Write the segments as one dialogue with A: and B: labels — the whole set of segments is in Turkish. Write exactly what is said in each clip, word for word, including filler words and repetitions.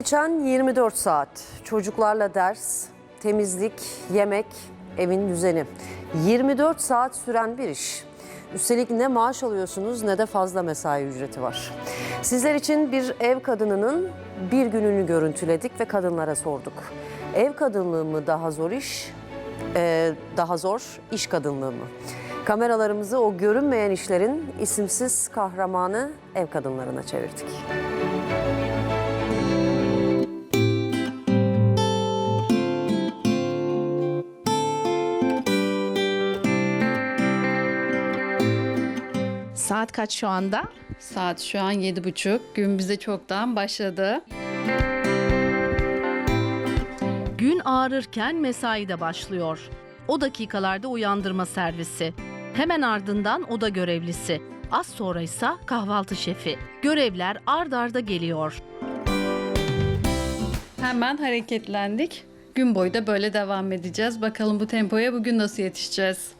A: Geçen yirmi dört saat çocuklarla ders, temizlik, yemek, evin düzeni. yirmi dört saat süren bir iş. Üstelik ne maaş alıyorsunuz ne de fazla mesai ücreti var. Sizler için bir ev kadınının bir gününü görüntüledik ve kadınlara sorduk. Ev kadınlığı mı daha zor iş, ee, daha zor iş kadınlığı mı? Kameralarımızı o görünmeyen işlerin isimsiz kahramanı ev kadınlarına çevirdik.
B: Saat kaç şu anda?
C: Saat şu an yedi buçuk. Gün bize çoktan başladı.
D: Gün ağarırken mesai de başlıyor. O dakikalarda uyandırma servisi. Hemen ardından oda görevlisi. Az sonra ise kahvaltı şefi. Görevler ard arda geliyor.
C: Hemen hareketlendik. Gün boyu da böyle devam edeceğiz. Bakalım bu tempoya bugün nasıl yetişeceğiz?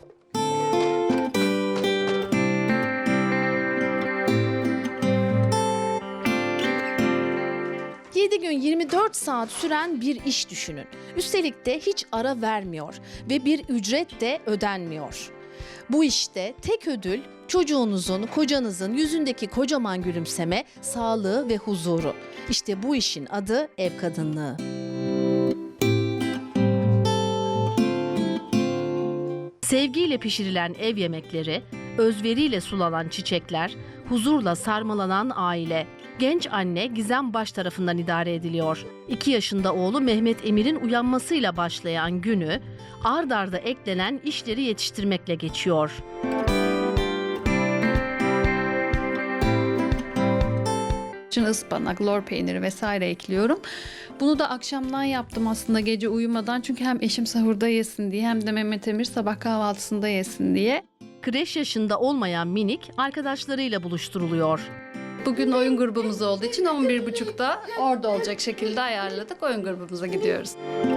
B: yedi gün yirmi dört saat süren bir iş düşünün. Üstelik de hiç ara vermiyor ve bir ücret de ödenmiyor. Bu işte tek ödül çocuğunuzun, kocanızın yüzündeki kocaman gülümseme, sağlığı ve huzuru. İşte bu işin adı ev kadınlığı.
D: Sevgiyle pişirilen ev yemekleri, özveriyle sulanan çiçekler, huzurla sarmalanan aile. Genç anne Gizem Baş tarafından idare ediliyor. iki yaşında oğlu Mehmet Emir'in uyanmasıyla başlayan günü ard arda eklenen işleri yetiştirmekle geçiyor.
C: Şimdi ıspanak, lor peyniri vesaire ekliyorum. Bunu da akşamdan yaptım aslında gece uyumadan. Çünkü hem eşim sahurda yesin diye hem de Mehmet Emir sabah kahvaltısında yesin diye.
D: Kreş yaşında olmayan minik arkadaşlarıyla buluşturuluyor.
C: Bugün oyun grubumuz olduğu için on bir buçukta orada olacak şekilde ayarladık. Oyun grubumuza gidiyoruz.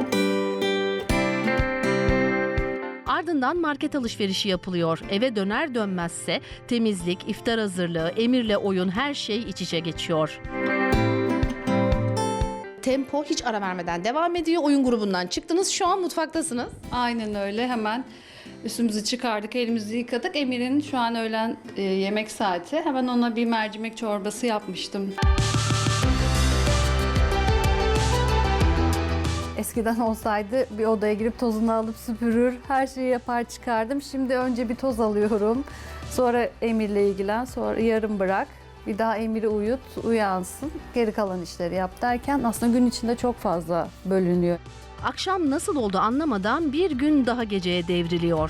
D: Ardından market alışverişi yapılıyor. Eve döner dönmezse temizlik, iftar hazırlığı, Emir'le oyun her şey iç içe geçiyor.
B: Tempo hiç ara vermeden devam ediyor. Oyun grubundan çıktınız, şu an mutfaktasınız.
C: Aynen öyle. Hemen üstümüzü çıkardık, elimizi yıkadık. Emir'in şu an öğlen e, yemek saati. Hemen ona bir mercimek çorbası yapmıştım.
E: Eskiden olsaydı bir odaya girip tozunu alıp süpürür, her şeyi yapar çıkardım. Şimdi önce bir toz alıyorum, sonra Emir'le ilgilen, sonra yarım bırak. Bir daha Emir'i uyut, uyansın, geri kalan işleri yap derken aslında gün içinde çok fazla bölünüyor.
D: Akşam nasıl oldu anlamadan bir gün daha geceye devriliyor.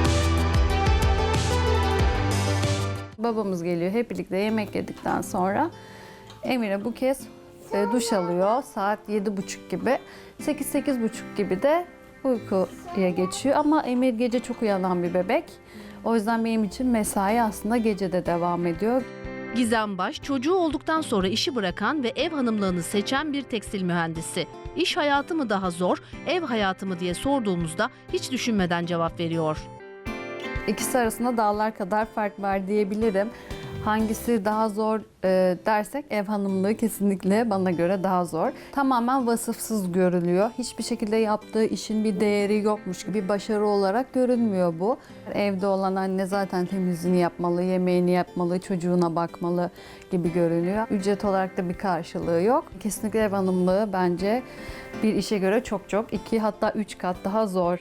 E: Babamız geliyor, hep birlikte yemek yedikten sonra Emir'e bu kez e, duş alıyor saat yedi buçuk gibi. sekiz sekiz buçuk gibi de uykuya geçiyor ama Emir gece çok uyanan bir bebek. O yüzden benim için mesai aslında gecede devam ediyor.
D: Gizem Baş, çocuğu olduktan sonra işi bırakan ve ev hanımlığını seçen bir tekstil mühendisi. İş hayatı mı daha zor, ev hayatı mı diye sorduğumuzda hiç düşünmeden cevap veriyor.
E: İkisi arasında dağlar kadar fark var diyebilirim. Hangisi daha zor e, dersek ev hanımlığı kesinlikle bana göre daha zor. Tamamen vasıfsız görülüyor. Hiçbir şekilde yaptığı işin bir değeri yokmuş gibi bir başarı olarak görünmüyor bu. Evde olan anne zaten temizliğini yapmalı, yemeğini yapmalı, çocuğuna bakmalı gibi görünüyor. Ücret olarak da bir karşılığı yok. Kesinlikle ev hanımlığı bence bir işe göre çok çok iki hatta üç kat daha zor.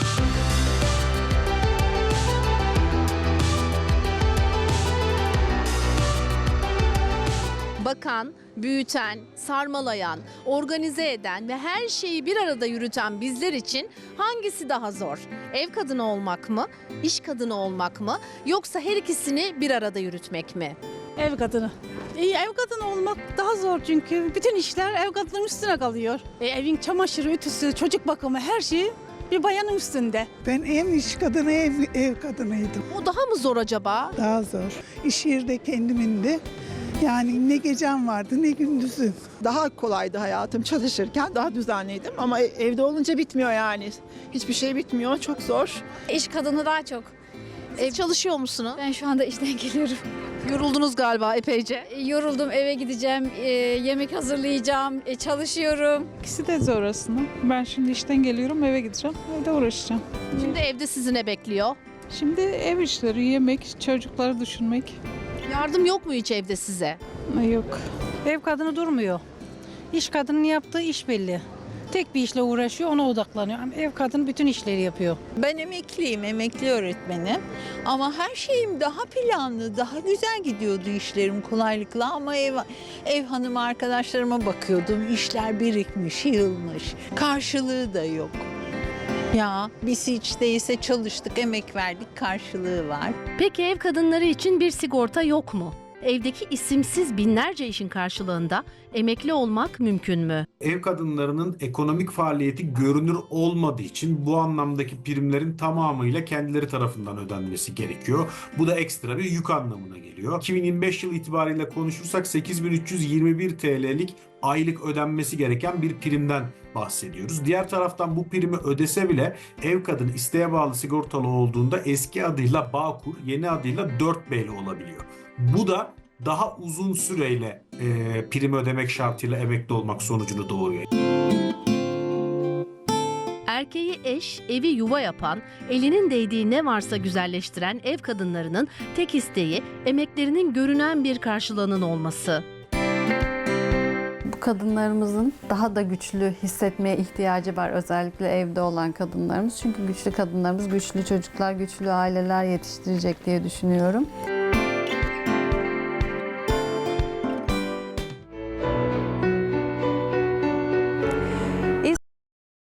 B: Bakan, büyüten, sarmalayan, organize eden ve her şeyi bir arada yürüten bizler için hangisi daha zor? Ev kadını olmak mı, iş kadını olmak mı, yoksa her ikisini bir arada yürütmek mi?
F: Ev kadını. İyi, ev kadını olmak daha zor çünkü bütün işler ev kadının üstüne kalıyor. E, evin çamaşırı, ütüsü, çocuk bakımı her şey bir bayanın üstünde.
G: Ben hem iş kadını hem ev kadınıydım.
B: O daha mı zor acaba?
G: Daha zor. İş yeri de kendimin de. Yani ne gecem vardı ne gündüzüm.
H: Daha kolaydı hayatım çalışırken, daha düzenliydim ama evde olunca bitmiyor yani. Hiçbir şey bitmiyor, çok zor.
I: İş kadını daha çok.
B: Siz çalışıyor musunuz?
I: Ben şu anda işten geliyorum.
B: Yoruldunuz galiba epeyce.
I: E, Yoruldum, eve gideceğim, e, yemek hazırlayacağım, e, çalışıyorum.
J: İkisi de zor aslında. Ben şimdi işten geliyorum, eve gideceğim, evde uğraşacağım.
B: Şimdi evde sizi ne bekliyor?
J: Şimdi ev işleri, yemek, çocukları düşünmek.
B: Yardım yok mu hiç evde size?
J: Yok.
F: Ev kadını durmuyor. İş kadının yaptığı iş belli. Tek bir işle uğraşıyor, ona odaklanıyor. Ama ev kadın bütün işleri yapıyor.
K: Ben emekliyim, emekli öğretmenim. Ama her şeyim daha planlı, daha güzel gidiyordu işlerim kolaylıkla. Ama ev, ev hanımı arkadaşlarıma bakıyordum. İşler birikmiş, yığılmış. Karşılığı da yok. Ya biz hiç değilse çalıştık, emek verdik, karşılığı var.
D: Peki ev kadınları için bir sigorta yok mu? Evdeki isimsiz binlerce işin karşılığında emekli olmak mümkün mü?
L: Ev kadınlarının ekonomik faaliyeti görünür olmadığı için bu anlamdaki primlerin tamamıyla kendileri tarafından ödenmesi gerekiyor. Bu da ekstra bir yük anlamına geliyor. iki bin yirmi beş yıl itibariyle konuşursak sekiz bin üç yüz yirmi bir T L'lik aylık ödenmesi gereken bir primden bahsediyoruz. Diğer taraftan bu primi ödese bile ev kadını isteğe bağlı sigortalı olduğunda eski adıyla Bağkur, yeni adıyla dört B'li olabiliyor. Bu da daha uzun süreyle e, prim ödemek şartıyla emekli olmak sonucunu doğuruyor.
D: Erkeği eş, evi yuva yapan, elinin değdiği ne varsa güzelleştiren ev kadınlarının tek isteği emeklerinin görünen bir karşılığının olması.
E: Bu kadınlarımızın daha da güçlü hissetmeye ihtiyacı var, özellikle evde olan kadınlarımız. Çünkü güçlü kadınlarımız güçlü çocuklar, güçlü aileler yetiştirecek diye düşünüyorum.